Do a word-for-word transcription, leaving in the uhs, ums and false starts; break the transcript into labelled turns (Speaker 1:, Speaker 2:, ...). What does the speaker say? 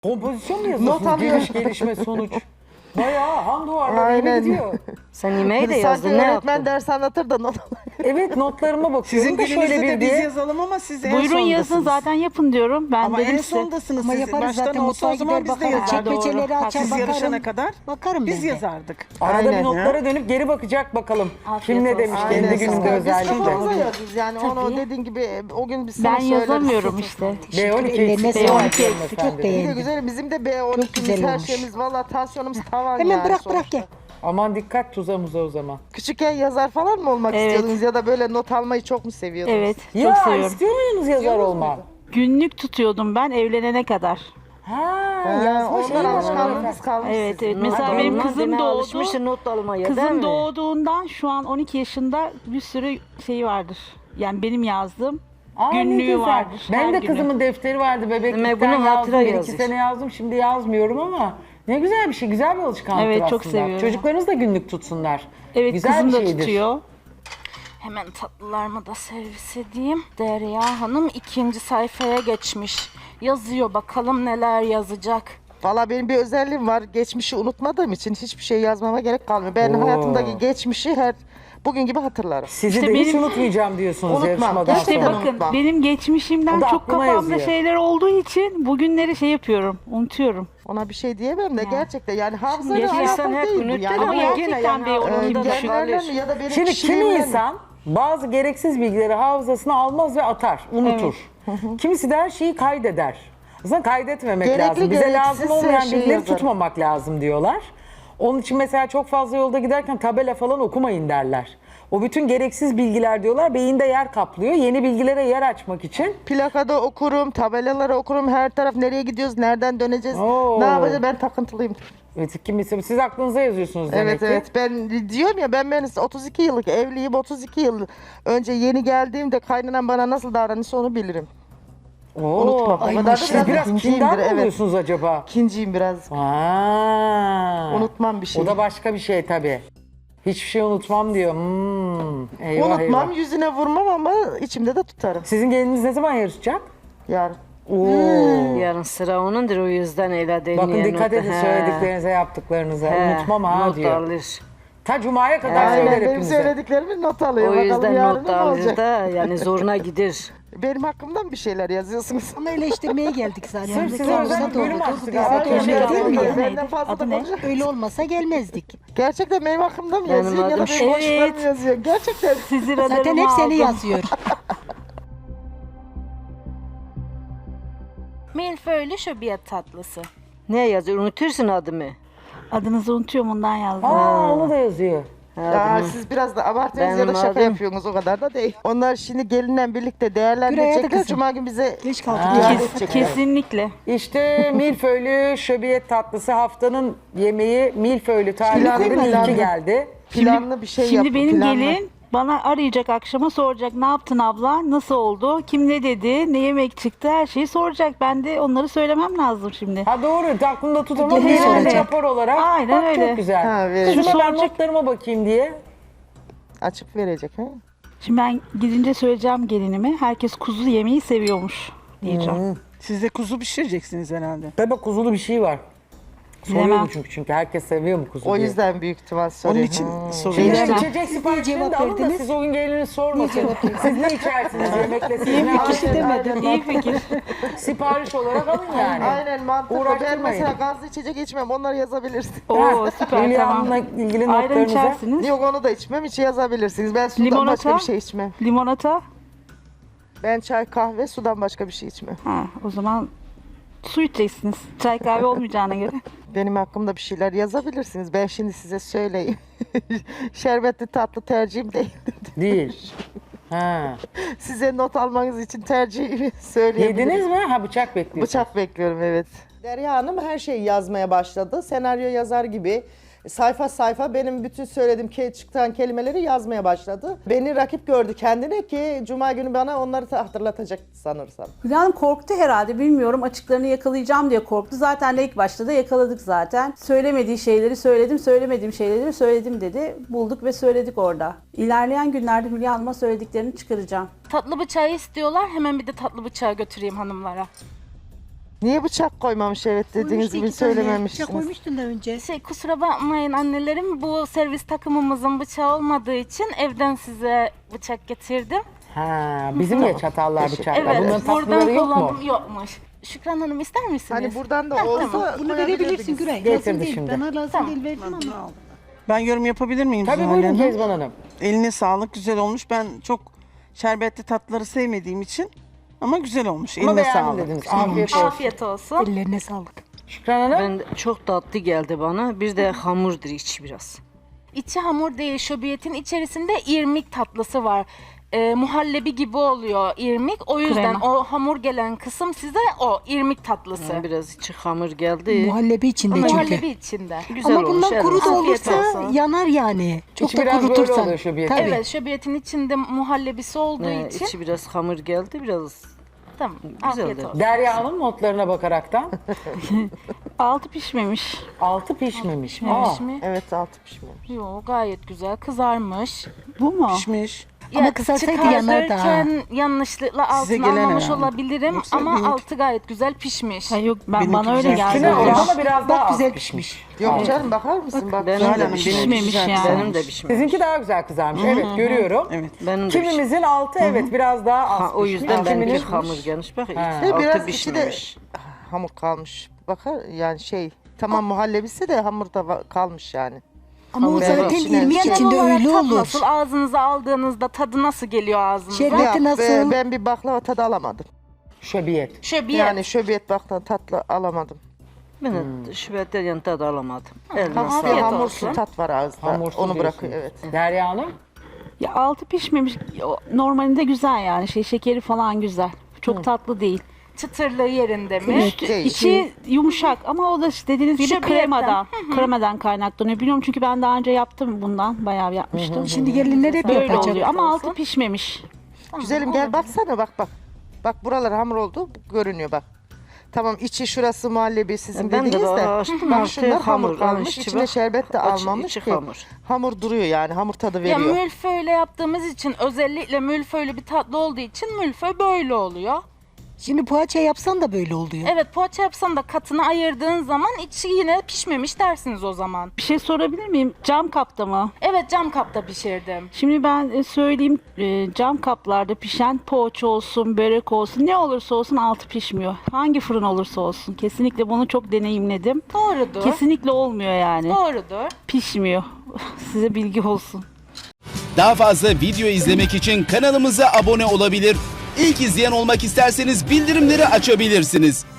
Speaker 1: Kompozisyon mu yazıyorsunuz?
Speaker 2: Not alıyorum.
Speaker 1: Geliş, gelişme, sonuç. Bayağı han duvarları gibi
Speaker 2: Aynen.
Speaker 1: gidiyor.
Speaker 3: Sen yemeği de
Speaker 2: Sanki
Speaker 3: yazdın, ne
Speaker 2: öğretmen
Speaker 3: yaptın?
Speaker 2: ders anlatır da not
Speaker 1: Evet, notlarıma bakıyorum
Speaker 4: Sizin
Speaker 1: da şöyle
Speaker 4: gününüzde
Speaker 1: bir
Speaker 4: de biz
Speaker 1: diye.
Speaker 4: yazalım ama siz en
Speaker 5: Buyurun
Speaker 4: sondasınız.
Speaker 5: yazın, zaten yapın diyorum. Ben
Speaker 4: Ama
Speaker 5: dedim
Speaker 4: en
Speaker 5: size.
Speaker 4: sondasınız
Speaker 6: Ama
Speaker 4: siz.
Speaker 6: yaparız
Speaker 4: Baştan
Speaker 6: zaten,
Speaker 4: olsa
Speaker 6: mutfağa
Speaker 4: o zaman
Speaker 6: gider
Speaker 4: biz de
Speaker 6: bakarız.
Speaker 4: yazardık.
Speaker 6: Çekmeceleri
Speaker 5: Doğru.
Speaker 6: açar
Speaker 4: Siz
Speaker 6: bakarım.
Speaker 4: yarışana kadar
Speaker 6: Bakarım
Speaker 4: biz
Speaker 6: ben de.
Speaker 4: yazardık.
Speaker 1: Arada
Speaker 2: Aynen.
Speaker 1: bir notlara dönüp geri bakacak bakalım. Kim ne
Speaker 3: olsun.
Speaker 1: demiş
Speaker 2: Aynen.
Speaker 1: kendi gününde
Speaker 2: Biz
Speaker 1: özellikle.
Speaker 2: kafamıza yazıyoruz yani onu
Speaker 5: Tabii.
Speaker 2: dediğin gibi o gün biz sana
Speaker 5: Ben
Speaker 2: söyleriz.
Speaker 5: yazamıyorum işte.
Speaker 1: B on iki
Speaker 6: Ellerine
Speaker 1: eksik.
Speaker 6: sağlık.
Speaker 1: B on iki
Speaker 6: Çok
Speaker 1: eksik.
Speaker 2: Bir de
Speaker 6: beğendim.
Speaker 2: güzel bizim de B on ikimiz
Speaker 6: güzel
Speaker 2: her
Speaker 6: olmuş.
Speaker 2: şeyimiz valla tansiyonumuz tavan
Speaker 6: Hemen
Speaker 2: yani
Speaker 6: bırak bırak
Speaker 2: sonuçta.
Speaker 6: gel.
Speaker 1: Aman dikkat tuza muza o zaman.
Speaker 2: Küçükken yazar falan mı olmak
Speaker 5: Evet.
Speaker 2: istiyordunuz ya da böyle not almayı çok mu seviyordunuz?
Speaker 5: Evet, çok
Speaker 1: Ya
Speaker 5: seviyorum.
Speaker 1: istiyor muydunuz yazar olmak?
Speaker 5: Günlük tutuyordum ben evlenene kadar.
Speaker 1: Ha,
Speaker 2: Ha,
Speaker 1: yazma şeyi
Speaker 2: ondan
Speaker 1: var.
Speaker 2: alışkanlığınız kalmış
Speaker 5: Evet,
Speaker 2: sizin.
Speaker 5: evet. Mesela
Speaker 3: Not
Speaker 5: benim
Speaker 3: almaz,
Speaker 5: kızım
Speaker 3: demeye
Speaker 5: doğdu.
Speaker 3: alışmışsın not almaya, değil
Speaker 5: Kızım
Speaker 3: mi?
Speaker 5: doğduğundan şu an on iki yaşında bir sürü şeyi vardır. Yani benim yazdığım
Speaker 1: Aa, ne
Speaker 5: günlüğü
Speaker 1: güzel.
Speaker 5: vardır.
Speaker 1: Ben
Speaker 5: her
Speaker 1: de
Speaker 5: günü.
Speaker 1: kızımın defteri vardı bebeklikten
Speaker 3: Demek bunu
Speaker 1: yazdım.
Speaker 3: hatıra
Speaker 1: Bir iki
Speaker 3: yazmış.
Speaker 1: sene yazdım şimdi yazmıyorum ama ne güzel bir şey, güzel bir alışkanlıktır
Speaker 5: Evet,
Speaker 1: aslında.
Speaker 5: çok seviyorum.
Speaker 1: Çocuklarınız da günlük tutsunlar.
Speaker 5: Evet,
Speaker 1: güzel
Speaker 5: kızım
Speaker 1: bir
Speaker 5: da
Speaker 1: şeydir.
Speaker 5: tutuyor. Hemen tatlılarımı da servis edeyim. Derya Hanım ikinci sayfaya geçmiş. Yazıyor, bakalım neler yazacak.
Speaker 2: Valla benim bir özelliğim var. Geçmişi unutmadığım için hiçbir şey yazmama gerek kalmıyor. Ben
Speaker 1: Oo.
Speaker 2: hayatımdaki geçmişi her bugün gibi hatırlarım.
Speaker 1: Sizi
Speaker 5: İşte
Speaker 1: de hiç
Speaker 5: benim-
Speaker 1: unutmayacağım diyorsunuz
Speaker 2: Unutmam.
Speaker 1: yarışmadan
Speaker 2: İşte
Speaker 5: İşte
Speaker 1: sonra.
Speaker 2: bak-
Speaker 5: bakın
Speaker 2: unutma.
Speaker 5: benim geçmişimden
Speaker 1: O da
Speaker 5: çok
Speaker 1: aklıma
Speaker 5: kafamda
Speaker 1: yazıyor.
Speaker 5: şeyler olduğu için bugünleri şey yapıyorum, unutuyorum.
Speaker 2: Ona bir şey diyemem de gerçekten yani hafızayla
Speaker 3: Geçmişten
Speaker 2: alakalı
Speaker 3: hep
Speaker 2: değil bu
Speaker 3: unuttun
Speaker 2: yani.
Speaker 5: Ama
Speaker 3: ama
Speaker 2: Bu,
Speaker 3: yine
Speaker 5: gerçekten
Speaker 3: yani
Speaker 5: bir
Speaker 2: e,
Speaker 5: umurumda da
Speaker 2: genlerle
Speaker 3: kalır.
Speaker 2: mi ya da benim
Speaker 1: Şimdi kimi
Speaker 2: kişiliğimle mi?
Speaker 1: insan bazı gereksiz bilgileri hafızasına almaz ve atar, unutur. Kimisi de her şeyi kaydeder. Aslında kaydetmemek
Speaker 2: Gerekli,
Speaker 1: lazım. Bize lazım
Speaker 2: gereksiz
Speaker 1: olmayan
Speaker 2: her şeyi
Speaker 1: bilgileri
Speaker 2: yazarım.
Speaker 1: tutmamak lazım diyorlar. Onun için mesela çok fazla yolda giderken tabela falan okumayın derler. O bütün gereksiz bilgiler diyorlar beyinde yer kaplıyor. Yeni bilgilere yer açmak için.
Speaker 2: Plakada okurum, tabelaları okurum, her taraf nereye gidiyoruz, nereden döneceğiz,
Speaker 1: Oo.
Speaker 2: ne yapacağız ben takıntılıyım.
Speaker 1: Evet, kimisi, siz aklınıza yazıyorsunuz demek
Speaker 2: Evet
Speaker 1: ki.
Speaker 2: evet ben diyorum ya ben ben otuz iki yıllık evliyim, otuz iki yıl önce yeni geldiğimde kaynanan bana nasıl davranırsa onu bilirim.
Speaker 1: Oo.
Speaker 2: Unutmam. O
Speaker 1: Ay,
Speaker 2: kadar da
Speaker 1: siz
Speaker 2: biraz
Speaker 1: biraz
Speaker 2: ikinciyimdir,
Speaker 1: kindar mı
Speaker 2: evet.
Speaker 1: oluyorsunuz acaba?
Speaker 2: İkinciyim biraz.
Speaker 1: Aa.
Speaker 2: Unutmam bir şey.
Speaker 1: O da başka bir şey tabii. Hiçbir şey unutmam diyor. Hmm. Eyvah,
Speaker 2: Unutmam,
Speaker 1: eyvah.
Speaker 2: yüzüne vurmam ama içimde de tutarım.
Speaker 1: Sizin gelininiz ne zaman yarışacak?
Speaker 2: Yarın.
Speaker 1: Oo.
Speaker 3: Yarın sıra onundur, o yüzden öyle değil.
Speaker 1: Bakın
Speaker 3: yani
Speaker 1: dikkat
Speaker 3: not-
Speaker 1: edin
Speaker 3: He,
Speaker 1: söylediklerinize, yaptıklarınıza.
Speaker 3: he,
Speaker 1: Unutmam ha
Speaker 3: not
Speaker 1: diyor.
Speaker 3: alır.
Speaker 1: Ta Cuma'ya kadar
Speaker 2: Aynen
Speaker 1: söyler
Speaker 2: benim
Speaker 1: hepinize.
Speaker 2: söylediklerimi not alıyor.
Speaker 3: O
Speaker 2: Bakalım
Speaker 3: yüzden
Speaker 2: yarın
Speaker 3: not
Speaker 2: ne
Speaker 3: alır
Speaker 2: olacak?
Speaker 3: da yani zoruna gider.
Speaker 2: Benim hakkımdan bir şeyler yazıyorsunuz.
Speaker 6: Ama eleştirmeye geldik zaten.
Speaker 1: Sırf size
Speaker 6: Kendimize
Speaker 1: özel bir bölüm
Speaker 6: doğru.
Speaker 1: açtık
Speaker 6: Bize
Speaker 1: abi.
Speaker 6: de öyle
Speaker 1: Aynen.
Speaker 6: değil mi ya?
Speaker 2: Benden fazla da
Speaker 5: Adı ne?
Speaker 2: konuşuyor.
Speaker 6: Öyle olmasa gelmezdik.
Speaker 2: Gerçekten benim hakkımda mı
Speaker 3: Benim
Speaker 2: yazıyor ya da
Speaker 3: adım-
Speaker 2: benim boşluğumda
Speaker 5: Evet.
Speaker 2: mı yazıyor? Gerçekten.
Speaker 5: Sizi
Speaker 6: Zaten hep seni yazıyor.
Speaker 5: Milföylü şöbiyet tatlısı.
Speaker 3: Ne yazıyor? Unutursun adımı.
Speaker 5: Adınızı unutuyorum, ondan yazdım.
Speaker 1: Aa, onu da yazıyor.
Speaker 2: Ya siz biraz da abartıyorsunuz ya da
Speaker 3: Benim
Speaker 2: şaka
Speaker 3: adım-
Speaker 2: yapıyorsunuz, o kadar da değil. Onlar şimdi gelinle birlikte
Speaker 6: Güray, hadi
Speaker 2: değerlendirecekler.
Speaker 6: kızım.
Speaker 2: Cuma gün bize
Speaker 6: Geç kaldık.
Speaker 1: Aa.
Speaker 2: iade
Speaker 5: Kes-
Speaker 2: edecekler.
Speaker 5: kesinlikle.
Speaker 1: İşte milföylü şöbiyet tatlısı haftanın yemeği milföylü tariflerin
Speaker 2: Planlı,
Speaker 1: ilki
Speaker 2: planlı.
Speaker 1: geldi.
Speaker 2: Planlı bir şey
Speaker 5: Şimdi
Speaker 2: yapın,
Speaker 5: benim
Speaker 2: planlı.
Speaker 5: gelin bana arayacak, akşama soracak, ne yaptın abla, nasıl oldu, kim ne dedi, ne yemek çıktı, her şeyi soracak. Ben de onları söylemem lazım şimdi.
Speaker 1: Ha doğru, aklımda tut ama
Speaker 6: Gelin
Speaker 1: genelde
Speaker 6: soracak.
Speaker 1: rapor olarak.
Speaker 5: Aynen
Speaker 1: Bak,
Speaker 5: öyle.
Speaker 1: Çok güzel.
Speaker 2: Ha, verecek.
Speaker 1: Şuna ben
Speaker 5: Soracak.
Speaker 1: notlarıma bakayım diye.
Speaker 2: Açıp verecek. He?
Speaker 5: Şimdi ben gidince söyleyeceğim gelinime, herkes kuzu yemeği seviyormuş diyeceğim.
Speaker 4: Siz de kuzu pişireceksiniz herhalde.
Speaker 1: Tabii bak, kuzulu bir şey var.
Speaker 5: Bilemem.
Speaker 1: Soruyorum çünkü çünkü herkes seviyor mu kuzu
Speaker 2: O
Speaker 1: diye.
Speaker 2: yüzden büyük ihtimal
Speaker 4: Onun
Speaker 2: soruyor.
Speaker 4: için
Speaker 2: Hmm.
Speaker 4: soruyorum.
Speaker 1: Şimdi
Speaker 5: Bilemem.
Speaker 1: içecek siparişlerini de
Speaker 6: cevap
Speaker 1: alın da
Speaker 6: verdiniz?
Speaker 1: siz o gün geliniz sormasın. Siz ne içersiniz yemekle, siz ne
Speaker 2: Aynen,
Speaker 1: yaparsınız?
Speaker 2: aynen.
Speaker 5: İyi fikir.
Speaker 1: Sipariş olarak alın yani.
Speaker 2: Aynen mantıklı. Ben
Speaker 1: Uğraştırmayın.
Speaker 2: mesela gazlı içecek içmem. Onları yazabilirsin.
Speaker 5: Oo, süper,
Speaker 1: Hülya
Speaker 5: tamam.
Speaker 1: Hanım'la ilgili
Speaker 5: Ayran
Speaker 1: notlarınıza.
Speaker 5: içersiniz.
Speaker 2: Yok onu da içmem. Hiç yazabilirsiniz. Ben sudan
Speaker 5: Limonata?
Speaker 2: başka bir şey içmem.
Speaker 5: Limonata.
Speaker 2: Ben çay, kahve, sudan başka bir şey içmem.
Speaker 5: Ha, o zaman su içeceksiniz. Çay kahve olmayacağına göre.
Speaker 2: Benim hakkımda bir şeyler yazabilirsiniz. Ben şimdi size söyleyeyim. Şerbetli tatlı tercihim değil.
Speaker 1: Değil. Ha.
Speaker 2: Size not almanız için tercihimi söyleyebilirim.
Speaker 1: Yediniz mi? Ha, bıçak bekliyorsunuz.
Speaker 2: Bıçak bekliyorum, evet.
Speaker 7: Derya Hanım her şeyi yazmaya başladı. Senaryo yazar gibi sayfa sayfa benim bütün söylediğim ke çıkan kelimeleri yazmaya başladı. Beni rakip gördü kendine ki Cuma günü bana onları da hatırlatacak sanırsam.
Speaker 8: Hülya Hanım korktu herhalde, bilmiyorum, açıklarını yakalayacağım diye korktu. Zaten de ilk başta da yakaladık zaten. Söylemediği şeyleri söyledim, söylemediğim şeyleri söyledim dedi. Bulduk ve söyledik orada. İlerleyen günlerde Hülya Hanım'a söylediklerini çıkaracağım.
Speaker 5: Tatlı bıçağı istiyorlar. Hemen bir de tatlı bıçağı götüreyim hanımlara.
Speaker 2: Niye bıçak koymamış evet dediğiniz
Speaker 6: Koymuştu
Speaker 2: gibi
Speaker 6: iki tane. Bıçak
Speaker 2: söylememiştiniz.
Speaker 6: koymuştun da önce.
Speaker 5: Şey kusura bakmayın annelerim, bu servis takımımızın bıçağı olmadığı için evden size bıçak getirdim.
Speaker 1: Ha, bizim ya çatallar, bıçaklar.
Speaker 5: Evet,
Speaker 1: Bunların
Speaker 5: buradan
Speaker 1: tatlıları yok mu?
Speaker 5: kullandım. Yokmuş. Şükran Hanım ister misiniz?
Speaker 2: Hani buradan da
Speaker 5: Ha,
Speaker 2: olsa
Speaker 5: tamam.
Speaker 6: Bunu
Speaker 2: koyabilirdiniz.
Speaker 6: verebilirsin Güray.
Speaker 1: Getirdi
Speaker 6: Lazım değil.
Speaker 1: şimdi.
Speaker 6: Bana lazım
Speaker 5: Tamam.
Speaker 6: değil verdim ama.
Speaker 4: Ben yorum yapabilir miyim
Speaker 1: Tabii
Speaker 4: Zuhal
Speaker 1: buyurun
Speaker 4: Hanım?
Speaker 1: Kezban Hanım.
Speaker 4: Eline sağlık, güzel olmuş. Ben çok şerbetli tatlıları sevmediğim için ama güzel olmuş.
Speaker 1: Ama
Speaker 4: Eline
Speaker 1: beğendim
Speaker 4: sağlık.
Speaker 1: dediniz. Afiyet olsun.
Speaker 5: Afiyet olsun.
Speaker 6: Ellerine sağlık.
Speaker 1: Şükran Hanım.
Speaker 3: Ben de çok tatlı geldi bana. Bir de hamurdur içi biraz.
Speaker 5: İçi hamur değil, şöbiyetin içerisinde irmik tatlısı var. Ee, muhallebi gibi oluyor irmik. O yüzden
Speaker 8: Krema.
Speaker 5: o hamur gelen kısım size o irmik tatlısı.
Speaker 3: Yani biraz içi hamur geldi.
Speaker 6: Muhallebi içinde çünkü.
Speaker 5: Muhallebi içinde.
Speaker 3: Güzel
Speaker 6: Ama
Speaker 3: olmuş.
Speaker 6: bundan kuru
Speaker 3: eline
Speaker 6: da
Speaker 3: sağlık.
Speaker 5: Afiyet
Speaker 6: olursa
Speaker 5: olsun.
Speaker 6: yanar yani. Çok
Speaker 1: İçi
Speaker 6: da
Speaker 1: biraz böyle
Speaker 6: kurutursan.
Speaker 1: oluyor şöbiyetin.
Speaker 6: Tabii.
Speaker 5: Evet, şöbiyetin içinde muhallebisi olduğu
Speaker 3: Ee,
Speaker 5: için.
Speaker 3: içi biraz hamur geldi, biraz
Speaker 5: Tamam,
Speaker 3: güzel
Speaker 5: afiyet
Speaker 3: de.
Speaker 5: olsun.
Speaker 1: Derya Hanım notlarına bakaraktan
Speaker 8: Altı pişmemiş.
Speaker 1: altı pişmemiş. Aa,
Speaker 5: Pişmiş mi?
Speaker 2: Evet altı pişmemiş.
Speaker 5: Yo, gayet güzel kızarmış.
Speaker 8: Bu mu?
Speaker 4: Pişmiş.
Speaker 6: Ama
Speaker 5: Ya,
Speaker 6: kısarsaydı yanar da.
Speaker 5: çıkartırken yanlışlıkla altını
Speaker 4: gelen
Speaker 5: almamış
Speaker 4: herhalde.
Speaker 5: olabilirim
Speaker 4: Yoksa
Speaker 5: ama
Speaker 4: benimki-
Speaker 5: altı gayet güzel pişmiş.
Speaker 8: Ha, yok ben
Speaker 4: Benimki
Speaker 8: bana öyle
Speaker 4: güzel.
Speaker 8: geldi.
Speaker 1: üstüne
Speaker 6: Güzel.
Speaker 1: orada biraz daha
Speaker 6: Bak
Speaker 1: az
Speaker 6: güzel
Speaker 1: pişmiş.
Speaker 6: pişmiş.
Speaker 2: Yok canım bakar mısın? Bak.
Speaker 3: Benim
Speaker 4: Zuhal
Speaker 3: de
Speaker 4: Hanım,
Speaker 3: pişmemiş.
Speaker 4: benimki
Speaker 8: Pişmemiş
Speaker 4: güzel.
Speaker 8: yani.
Speaker 3: Benim de pişmemiş.
Speaker 1: Sizinki daha güzel kızarmış. Evet görüyorum.
Speaker 4: Evet.
Speaker 3: Benim de pişmemiş.
Speaker 1: Kimimizin altı evet biraz daha az
Speaker 3: Ha, o
Speaker 1: pişmiş.
Speaker 3: yüzden benimki
Speaker 1: Kiminin-
Speaker 3: hamur gelmiş. Bak
Speaker 1: Ha.
Speaker 3: altı
Speaker 2: Biraz içi de
Speaker 3: pişmemiş.
Speaker 2: hamur kalmış. Bakar yani şey tamam muhallebisi de hamurda va- kalmış yani.
Speaker 6: Ama o
Speaker 3: Hamur
Speaker 6: zaten
Speaker 3: içine-
Speaker 6: irmik
Speaker 5: Genel
Speaker 6: içinde
Speaker 5: olarak
Speaker 6: öyle
Speaker 5: tat
Speaker 6: olur.
Speaker 5: nasıl? Ağzınıza aldığınızda tadı nasıl geliyor ağzınıza?
Speaker 6: Şerbet-
Speaker 2: Ya,
Speaker 6: nasıl?
Speaker 2: be- ben bir baklava tadı alamadım.
Speaker 1: Şöbiyet.
Speaker 5: Şöbiyet.
Speaker 2: Yani şöbiyet baklava tatlı alamadım.
Speaker 3: Ben
Speaker 1: Hmm.
Speaker 3: de şüphetten yan tadı alamadım. Eline
Speaker 5: Tamam.
Speaker 2: Bir
Speaker 3: sağlık.
Speaker 5: Afiyet
Speaker 2: hamursu
Speaker 5: olsun.
Speaker 2: tat var ağızda.
Speaker 1: Hamursuz
Speaker 2: Onu
Speaker 1: diyorsunuz.
Speaker 2: bırakıyor evet.
Speaker 1: Derya Hanım.
Speaker 8: Ya altı pişmemiş. O normalinde güzel yani. Şey şekeri falan güzel. Çok tatlı değil.
Speaker 5: Çıtırlığı yerinde mi?
Speaker 2: Evet. Değil.
Speaker 8: İçi yumuşak ama o da işte dediğiniz gibi
Speaker 5: Şöbiyetten.
Speaker 8: kremadan. Kremadan kaynaklanıyor. Biliyorum çünkü ben daha önce yaptım bundan. Bayağı yapmıştım.
Speaker 6: Şimdi gelinler hep
Speaker 8: Böyle
Speaker 6: yapacak.
Speaker 8: oluyor ama
Speaker 5: olsun.
Speaker 8: altı pişmemiş.
Speaker 2: Güzelim gel baksana bak bak. Bak buralar hamur oldu görünüyor bak. Tamam içi şurası muhallebi sizin
Speaker 3: Ben de
Speaker 2: dediğiniz de.
Speaker 3: açtım,
Speaker 2: Bak
Speaker 3: altı
Speaker 2: şunlar hamur
Speaker 3: hamur,
Speaker 2: kalmış.
Speaker 3: içi
Speaker 2: İçine
Speaker 3: bak.
Speaker 2: şerbet de
Speaker 3: Aç-
Speaker 2: almamış
Speaker 3: içi
Speaker 2: ki.
Speaker 3: hamur.
Speaker 2: Hamur duruyor yani hamur tadı
Speaker 5: Ya
Speaker 2: veriyor.
Speaker 5: mülföyle yaptığımız için özellikle mülföylü bir tatlı olduğu için mülföy böyle oluyor.
Speaker 6: Şimdi poğaça yapsan da böyle oluyor.
Speaker 5: Evet, poğaça yapsan da katını ayırdığın zaman içi yine pişmemiş dersiniz o zaman.
Speaker 8: Bir şey sorabilir miyim? Cam kapta mı?
Speaker 5: Evet, cam kapta pişirdim.
Speaker 8: Şimdi ben e, söyleyeyim e, cam kaplarda pişen poğaça olsun, börek olsun ne olursa olsun altı pişmiyor. Hangi fırın olursa olsun. Kesinlikle bunu çok deneyimledim.
Speaker 5: Doğrudur.
Speaker 8: Kesinlikle olmuyor yani.
Speaker 5: Doğrudur.
Speaker 8: Pişmiyor. Size bilgi olsun.
Speaker 9: Daha fazla video izlemek için kanalımıza abone olabilir. İlk izleyen olmak isterseniz bildirimleri açabilirsiniz.